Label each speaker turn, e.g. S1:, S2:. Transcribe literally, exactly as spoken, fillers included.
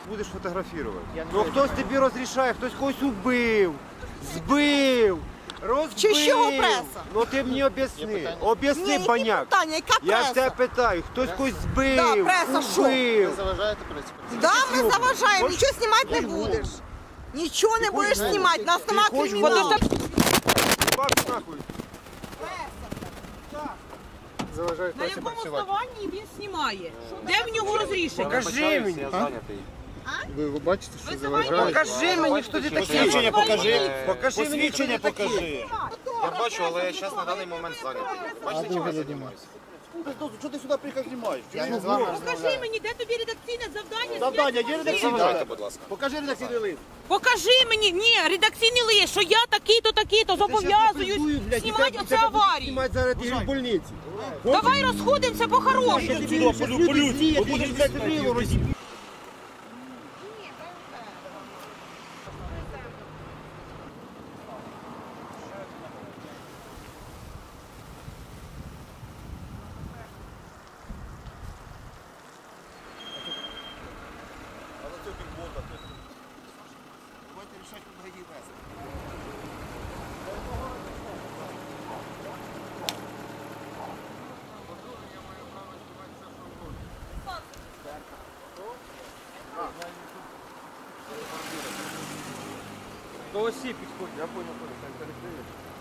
S1: Будеш фотографувати.
S2: Я не
S1: Ну
S2: буду
S1: хтось тобі розрішає, хтось когось убив, збив, розбив.
S3: Чи з чого преса?
S1: Ну ти мені об'ясни, об'ясни,
S3: Ні, які
S1: баняк.
S3: питання, яка
S1: Я
S3: преса?
S1: в тебе питаю, хтось когось збив,
S3: Да, преса, що?
S1: убив.
S2: Ви заважаєте пресі?
S3: Да, ми заважаємо, нічого знімати не будеш. Нічого не будеш знімати, нас нема криміналу.
S1: Бак нахуй.
S2: Заважають
S4: На
S2: пресі
S4: якому
S2: працювати.
S4: основанні він знімає? Де в нього розрішення?
S1: Покажи мені.
S2: Ви, ви бачите, що
S4: Ви
S2: заважають?
S1: Покажи мені, хто ти такий.
S5: Посвідчення покажи.
S1: Покажи мені,
S5: Посвідчення
S1: хто ти такий.
S5: покажи.
S6: Я бачу, але я зараз на даний момент зайнятий. Бачите, чим я займаюся?
S5: Що ти сюди приїхав знімаєш?
S2: Я не з вами
S4: Покажи
S2: розмовляю.
S4: мені, де тобі редакційне завдання?
S5: Завдання, є
S4: Покажи.
S5: редакційне?
S6: Давайте, будь ласка.
S5: Покажи редакційний лист.
S4: Покажи мені, ні, редакційний лист, що я такий-то, такий-то, зобов'язуюсь знімати оце аварії.
S1: Знімати зараз і в больниці.
S4: Давай розходимося по-хорошому.
S5: Сюди, по-людськи. Бо будеш блядь, стрілу розіб'ю.
S1: До осі підходь, я понял, коли так перекриєш.